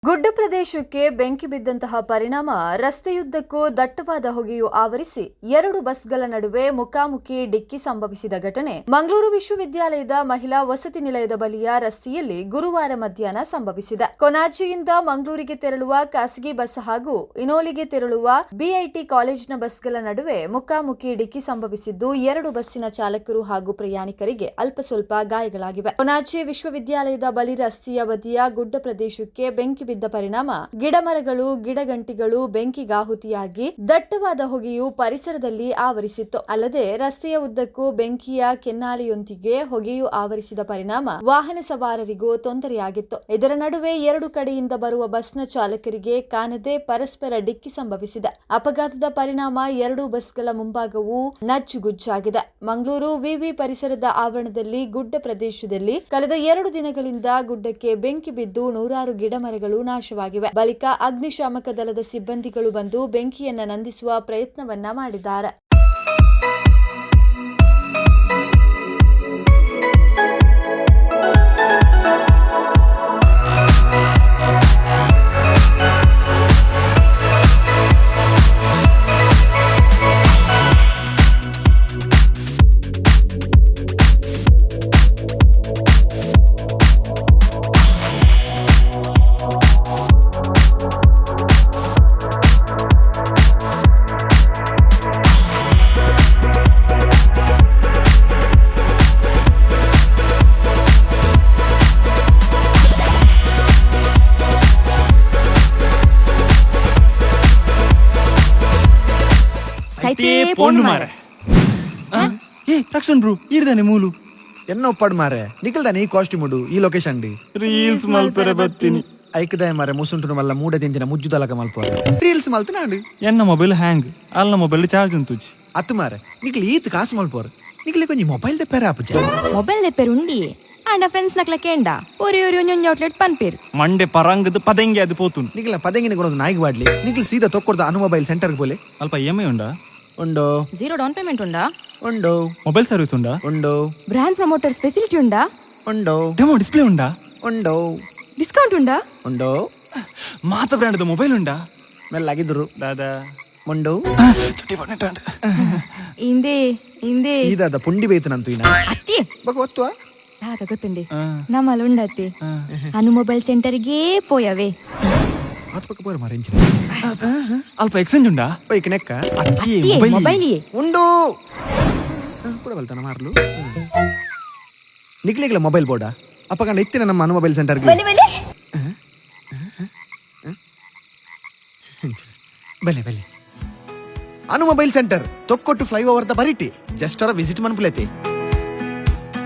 ಗುಡ್ಡ ಪ್ರದೇಶಕ್ಕೆ ಬೆಂಕಿ ಬಿದ್ದಂತಹ ಪರಿಣಾಮ ರಸ್ತೆಯುದ್ದಕ್ಕೂ ದಟ್ಟವಾದ ಹೊಗೆಯು ಆವರಿಸಿ ಎರಡು ಬಸ್ಗಳ ನಡುವೆ ಮುಖಾಮುಖಿ ಡಿಕ್ಕಿ ಸಂಭವಿಸಿದ ಘಟನೆ ಮಂಗಳೂರು ವಿಶ್ವವಿದ್ಯಾಲಯದ ಮಹಿಳಾ ವಸತಿ ನಿಲಯದ ಬಳಿಯ ರಸ್ತೆಯಲ್ಲಿ ಗುರುವಾರ ಮಧ್ಯಾಹ್ನ ಸಂಭವಿಸಿದೆ. ಕೊನಾಜಿಯಿಂದ ಮಂಗಳೂರಿಗೆ ತೆರಳುವ ಖಾಸಗಿ ಬಸ್ ಹಾಗೂ ಇನೋಲಿಗೆ ತೆರಳುವ ಬಿಐಟಿ ಕಾಲೇಜಿನ ಬಸ್ಗಳ ನಡುವೆ ಮುಖಾಮುಖಿ ಡಿಕ್ಕಿ ಸಂಭವಿಸಿದ್ದು ಎರಡು ಬಸ್ಸಿನ ಚಾಲಕರು ಹಾಗೂ ಪ್ರಯಾಣಿಕರಿಗೆ ಅಲ್ಪ ಸ್ವಲ್ಪ ಗಾಯಗಳಾಗಿವೆ. ಕೊನಾಜಿ ವಿಶ್ವವಿದ್ಯಾಲಯದ ಬಳಿ ರಸ್ತೆಯ ಬದಿಯ ಗುಡ್ಡ ಪ್ರದೇಶಕ್ಕೆ ಬೆಂಕಿ ಬಿದ್ದ ಪರಿಣಾಮ ಗಿಡಮರಗಳು ಗಿಡಗಂಟಿಗಳು ಬೆಂಕಿಗಾಹುತಿಯಾಗಿ ದಟ್ಟವಾದ ಹೊಗೆಯು ಪರಿಸರದಲ್ಲಿ ಆವರಿಸಿತ್ತು. ಅಲ್ಲದೆ ರಸ್ತೆಯ ಉದ್ದಕ್ಕೂ ಬೆಂಕಿಯ ಕೆನ್ನಾಲಿಯೊಂದಿಗೆ ಹೊಗೆಯು ಆವರಿಸಿದ ಪರಿಣಾಮ ವಾಹನ ಸವಾರರಿಗೂ ತೊಂದರೆಯಾಗಿತ್ತು. ಇದರ ನಡುವೆ ಎರಡು ಕಡೆಯಿಂದ ಬರುವ ಬಸ್ನ ಚಾಲಕರಿಗೆ ಕಾಣದೆ ಪರಸ್ಪರ ಡಿಕ್ಕಿ ಸಂಭವಿಸಿದೆ. ಅಪಘಾತದ ಪರಿಣಾಮ ಎರಡು ಬಸ್ಗಳ ಮುಂಭಾಗವು ನಜ್ಜುಗುಜ್ಜಾಗಿದೆ. ಮಂಗಳೂರು ವಿವಿ ಪರಿಸರದ ಆವರಣದಲ್ಲಿ ಗುಡ್ಡ ಪ್ರದೇಶದಲ್ಲಿ ಕಳೆದ 2 ದಿನಗಳಿಂದ ಗುಡ್ಡಕ್ಕೆ ಬೆಂಕಿ ಬಿದ್ದು ನೂರಾರು ಗಿಡಮರಗಳು ನಾಶವಾಗಿವೆ. ಬಳಿಕ ಅಗ್ನಿಶಾಮಕ ದಳದ ಸಿಬ್ಬಂದಿಗಳು ಬಂದು ಬೆಂಕಿಯನ್ನ ನಂದಿಸುವ ಪ್ರಯತ್ನವನ್ನ ಮಾಡಿದ್ದಾರೆ. రక్షణ్ బ్రో ఈడదానే మూలు ఎన్నో ఒప్పాడు మారే నిఖిల్దానే ఈ కాస్ట్యూముడు ఈ లొకేషన్ డి రీల్స్ మల్పెರೆ ಬತ್ತಿನಿ ಐಕದಾಯ ಮಾರೆ ಮುಸುಂಟುನ ವಲ್ಲ ಮೂಡ ದಿಂದಿನ ಮುಜ್ಜುದಲಕ ಮಲ್ಪೋರೆ ರೀಲ್ಸ್ ಮಲ್ತನಾಂಡು ಎನ್ನ ಮೊಬೈಲ್ ಹ್ಯಾಂಗ್ ಅಲ್ಲ ಮೊಬೈಲ್ ಚಾರ್ಜ್ ಉಂತುಜಿ ಅತ್ತು ಮಾರೆ ನಿಖಿಲ್ ಈತ್ ಕಾಸು ಮಲ್ಪೋರೆ ನಿಖಿಲ್ ಕೊಂಚ ಮೊಬೈಲ್ ದೆಪ್ಪೆರೆ ಆಪುಜ ಮೊಬೈಲ್ ದೆಪ್ಪೆರು ಉಂಡಿ ಆಂಡ ಫ್ರೆಂಡ್ಸ್ ನಕ್ಲ ಕೇಂಡ ಒರಿ ಔಟ್ಲೆಟ್ ಪನ್ಪೇರು ಮಂಡೆ ಪರಂಗದ ಪದಂಗಿ ಅದು ಪೋತುನ್ ನಿಖಿಲ ಪದಂಗಿನ ಕೊಡೋದು ನಾಯಿಗೆ ಬಾಡ್ಲಿ ನಿಖಿಲ್ ಸೀದಾ ತೊಕ್ಕೊಡ್ದ ಅನು ಮೊಬೈಲ್ ಸೆಂಟರ್ಗೆ ಬೋಲೆ ಅಲ್ಪ EMI ಉಂಡಾ ಉಂಡೋ ಝೀರೋ ಡೌನ್ ಪೇಮೆಂಟ್ ಉಂಡಾ ಉಂಡೋ ಮೊಬೈಲ್ ಸರ್ವಿಸ್ ಉಂಡಾ ಉಂಡೋ ಬ್ರಾಂಡ್ ಪ್ರಮೋಟರ್ಸ್ ಫೆಸಿಲಿಟಿ ಉಂಡಾ ಉಂಡೋ ಡೆಮೋ ಡಿಸ್ಪ್ಲೇ ಉಂಡಾ ಉಂಡೋ ಡಿಸ್ಕೌಂಟ್ ಉಂಡಾ ಉಂಡೋ ಮಾತ ಬ್ರ್ಯಾಂಡ್ ಮೊಬೈಲ್ ಉಂಡಾ ಮೆಲ್ಲಾಗಿದ್ರು ದಾದಾ ಉಂಡೋ ಚುಟ್ಟಿ ಬಣ್ಣಟ ಇಂದೇ ಈದಾದ ಪುಂಡಿ ಬೇತನಂತು ಇನ ಅತ್ತಿ ಬಕ ಒತ್ತುವ ದಾದ ಗೊತ್ತುಂಡಿ ನಮ್ಮಲ್ಲಿ ಉಂಡತ್ತಿ ಅನು ಮೊಬೈಲ್ ಸೆಂಟರ್ಗೆ ಪೋಯವೆ ಆತ ಪಕ್ಕ ಬೋರ ಮಾರೆ ಇಂಚಿನ ಅಲ್ಪ ಎಕ್ಸ್ಚೇಂಜ್ ಉಂಡಾ ಬೈಕ್ ನೆಕ್ಕ ಅಕ್ಕಿ ಮೊಬೈಲ್ ಉಂಡು ಕೂಡ ಬಲ್ತಾನ ಮಾರ್ಲು ನಿಕ್ಲಿಗ್ಲ ಮೊಬೈಲ್ ಬೋರ್ಡ ಅಪ್ಪ ಕಂಡ ಇತ್ತಿನ ನಮ್ಮ ಅನು ಮೊಬೈಲ್ ಸೆಂಟರ್ಗೆ ಬಲೆ ಬಲೆ ಅನು ಮೊಬೈಲ್ ಸೆಂಟರ್ ತೊಕ್ಕೊಟ್ಟು ಫ್ಲೈಓವರ್ ದ ಬರಿಟಿ ಜಸ್ಟ್ ಅವರ ವಿಸಿಟ್ ಮನ್ಪುಲೈತಿ.